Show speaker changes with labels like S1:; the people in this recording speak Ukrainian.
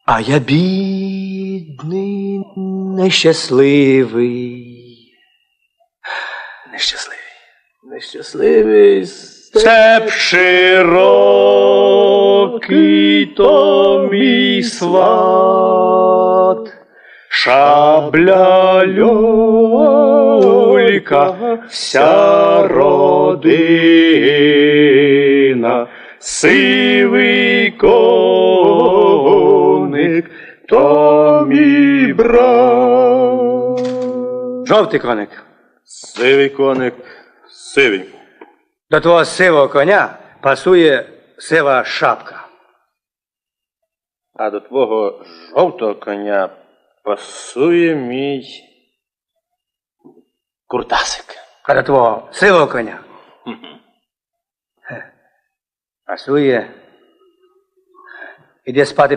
S1: А я бідний, нещасливий. Нещасливий степ широкий, то мій сват. Шабля люлька, вся родина, сивий коник, то мій брат. Жовтий коник.
S2: Сивий коник, сивий.
S1: До твого сивого коня пасує сива шапка.
S2: А до твого жовтого коня пасує мій куртасик.
S1: А до твого сивого коня пасує. Іди спати